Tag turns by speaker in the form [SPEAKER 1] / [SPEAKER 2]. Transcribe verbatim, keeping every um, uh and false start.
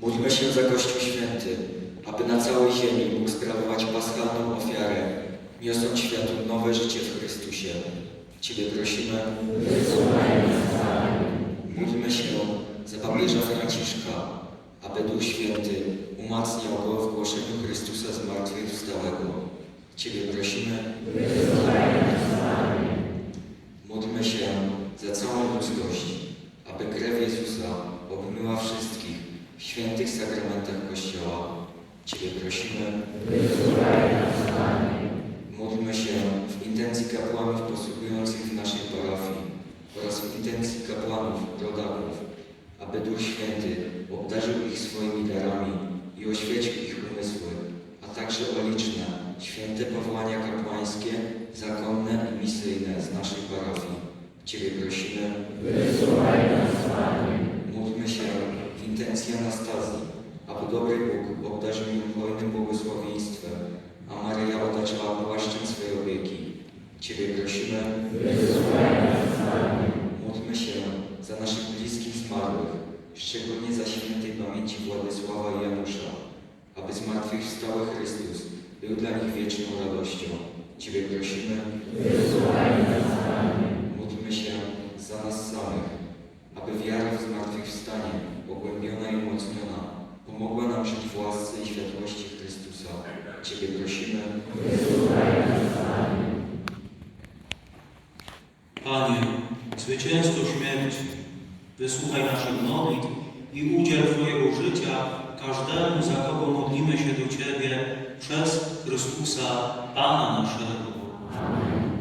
[SPEAKER 1] Módlmy się za Kościół Święty, aby na całej ziemi mógł sprawować paschalną ofiarę, niosąc światu nowe życie w Chrystusie. Ciebie prosimy. Módlmy się za papieża Franciszka, aby Duch Święty umacniał go w głoszeniu Chrystusa zmartwychwstałego. Ciebie prosimy. Módlmy się za całą ludzkość, aby krew Jezusa obmyła wszystkich w świętych sakramentach Kościoła. Ciebie prosimy. Módlmy się w intencji kapłanów posługujących w naszej parafii oraz w intencji kapłanów, rodaków, aby Duch Święty obdarzył ich swoimi darami i oświecił ich umysły, a także o liczne, święte powołania kapłańskie, zakonne i misyjne z naszej parafii. Ciebie prosimy. Módlmy się w intencji Anastazji, aby dobry Bóg obdarzył ją hojnym błogosławieństwem, a Maryja otaczała płaszczem swej opieki. Ciebie prosimy. Módlmy się za naszych bliskich zmarłych, szczególnie za świętej pamięci Władysława i Janusza, aby zmartwychwstały Chrystus był dla nich wieczną radością. Ciebie prosimy. Módlmy się za nas samych, aby wiara w zmartwychwstanie, pogłębiona i umocniona, pomogła nam żyć w łasce i światłości Chrystusa. Ciebie prosimy.
[SPEAKER 2] Panie, zwycięzco śmierci, wysłuchaj naszych modlitw i udziel Twojego życia każdemu, za kogo modlimy się do Ciebie przez Chrystusa, Pana naszego. Amen.